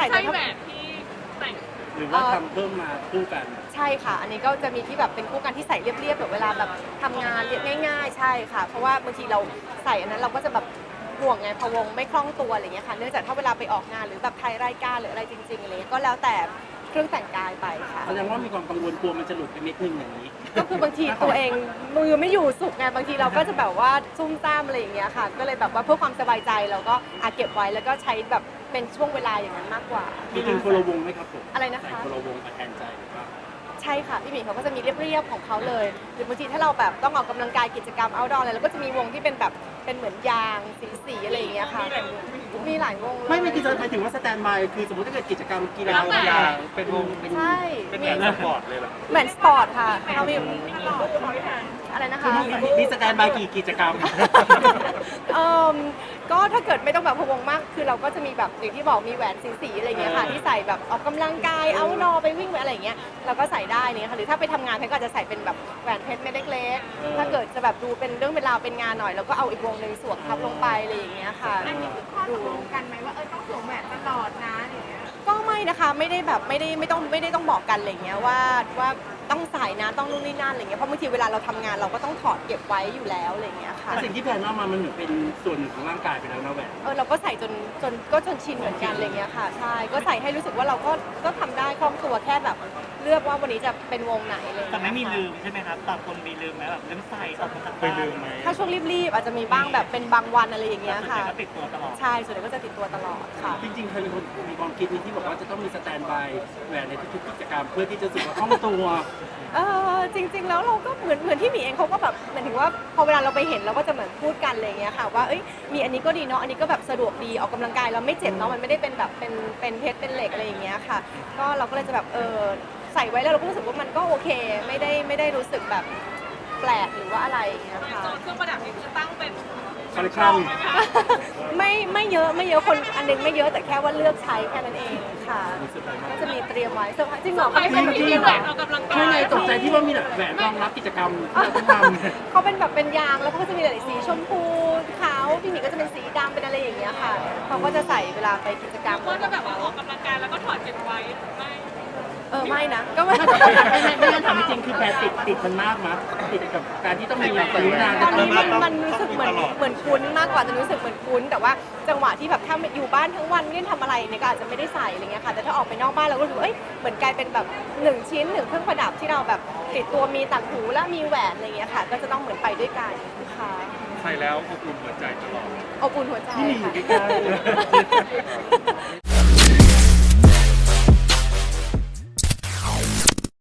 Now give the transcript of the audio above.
ใช่แต่แหวนที่แต่งหรือว่าทำเพิ่มมาคู่กันใช่ค่ะอันนี้ก็จะมีที่แบบเป็นคู่กันที่ใส่เรียบๆแบบเวลาแบบทำงานเรียบง่ายๆใช่ค่ะเพราะว่าบางทีเราใส่อันนั้นเราก็จะแบบห่วงไงพะวงไม่คล่องตัวอะไรอย่างเงี้ยค่ะเนื่องจากถ้าเวลาไปออกงานหรือแบบถ่ายรายการหรืออะไรจริงๆอะไรเงี้ยก็แล้วแต่เครื่องแต่งกายไปค่ะแสดงว่ามีความกังวลกลัวมันจะหลุดไปนิดนึงอย่างนี้ก็คือบางทีตัวเองมือไม่อยู่สุกไงบางทีเราก็จะแบบว่าซุ่มซ่ามอะไรอย่างเงี้ยค่ะก็เลยแบบว่าเพื่อความสบายใจเราก็เก็บไว้แล้วก็ใช้แบบเป็นช่วงเวลาอย่างนั้นมากกว่ามีถึงคนละวงไหมครับผมอะไรนะคะใส่คนละวงมาแทนใจหรือว่าใช่ค่ะพี่หมีเขาก็จะมีเรียบๆของเขาเลยหรือบางทีถ้าเราแบบต้องออกกำลังกายกิจกรรม outdoor อะไรเราก็จะมีวงที่เป็นแบบเป็นเหมือนยางสีๆอะไรอย่างเงี้ยค่ะมีหลายวงเลยไม่คือจะหมายถึงว่าสแตนบายคือสมมติถ้าเกิดกิจกรรมกีฬาเป็นวงเป็นใช่เป็นแบบสปอร์ตเลยเหรอเหมือนสปอร์ตค่ะเรามีอะไรนะคะมีสแตนบายกี่กิจกรรมก็ถ้าเกิดไม่ต้องแบบพะวงมากคือเราก็จะมีแบบอย่างที่บอกมีแหวนสีๆอะไรอย่างเงี้ยค่ะที่ใส่แบบออกกำลังกายเอานอไปวิ่งไปอะไรอย่างเงี้ยเราก็ใส่ได้เนี่ยค่ะหรือถ้าไปทำงานแพนก็อาจจะใส่เป็นแบบแหวนเพชรเม็ดเล็กๆถ้าเกิดจะแบบดูเป็นเรื่องเป็นราวเป็นงานหน่อยเราก็เอาอีกวงหนึ่งสวมทับลงไปอะไรอย่างเงี้ยค่ะอันนี้คือข้อตกลงกันไหมว่าต้องสวมแหวนตลอดนะอย่างเงี้ยก็ไม่นะคะไม่ได้แบบไม่ได้ต้องบอกกันอะไรอย่างเงี้ยว่าต้องใส่นะต้องนู่นนี่นั่นอะไรเงี้ยเพราะบางทีเวลาเราทำงานเราก็ต้องถอดเก็บไว้อยู่แล้วอะไรอย่างเงี้ยค่ะแต่สิ่งที่แพนว่ามันเหมือนเป็นส่วนหนึ่งของร่างกายไปแล้วนะแหวนเราก็ใส่จนชินเหมือนกันอะไรเงี้ยค่ะใช่ก็ใส่ให้รู้สึกว่าเราก็ทำได้คล่องตัวแค่แบบเลือกว่าวันนี้จะเป็นวงไหนเลยแต่ไม่มีลืมใช่ไหมครับต่างคนมีลืมไหมแบบลืมใส่ออกมาจากบ้านถ้าช่วงรีบๆอาจจะมีบ้างแบบเป็นบางวันอะไรอย่างเงี้ยส่วนใหค่ะญ่ก็ติดตัวตลอดใช่ส่วนใหญ่ก็จะติดตัวตลอดค่ะจริงๆเคยมีคนมีความคิดนี้ที่บอกว่าจะต้องมีสแตนบายแหวนในทุกๆกิจกรรมเพื่อที่จะรู้สึกว่าคล่องตัวจริงๆแล้วเราก็เหมือนที่หมีเองเขาก็แบบหมายถึงว่าพอเวลาเราไปเห็นเราก็จะเหมือนพูดกันอะไรอย่างเงี้ยค่ะว่าเอ้ยมีอันนี้ก็ดีเนาะอันนี้ก็แบบสะดวกดีออกกำลังกายเราไม่เจ็บเนาะมันไม่ได้เป็นแบบเป็นเพชรเป็นเหล็กอะไรอย่างเงี้ยค่ะก็เราก็เลยจะแบบใส่ไว้แล้วเราก็รู้สึกว่ามันก็โอเคไม่ได้รู้สึกแบบแปลกหรือว่าอะไรอย่างเงี้ยค่ะโซนเครื่องประดับนี่คือตั้งเป็นคอลเลคชั่นไหมคะไม่เยอะคนอันนึงไม่เยอะแต่แค่ว่าเลือกใช้แค่นั้นเองค่ะก็จะมีเตรียมไว้เซอร์ไพรส์จริงเหรอใครเป็นที่มีแหวนออกกำลังกาใช่ยไงตกใจที่ว่ามีแบบแหวนรองรับกิจกรรมที่เราต้องทำเขาเป็นแบบเป็นยางแล้วเขาก็จะมีหลายสีชมพูขาวพี่หมีก็จะเป็นสีดำเป็นอะไรอย่างเงี้ยค่ะเขาก็จะใส่เวลาไปกิจกรรมก็จะแบบว่าออกกำลังกายแล้วก็ถอดเก็บไว้ไม่ไม่นะก็ไม่ไม่งั้นถามจริงๆคือแพรติดมันมากมั้ยติดกับการที่ต้องมีแบบนิ้วนางตอนนี้มันรู้สึกเหมือนคุ้นมากกว่าจะรู้สึกเหมือนคุ้นแต่ว่าจังหวะที่แบบถ้าอยู่บ้านทั้งวันไม่ได้ทำอะไรเนี่ยก็อาจจะไม่ได้ใส่อะไรเงี้ยค่ะแต่ถ้าออกไปนอกบ้านเราก็รู้สึกเหมือนกลายเป็นแบบ1ชิ้น1เครื่องประดับที่เราแบบติดตัวมีต่างหูและมีแหวนอะไรเงี้ยค่ะก็จะต้องเหมือนไปด้วยกันค่ะใส่แล้วอบอุ่นหัวใจตลอดอบอุ่นหัวใจที่มีอยู่ค่ะใกล้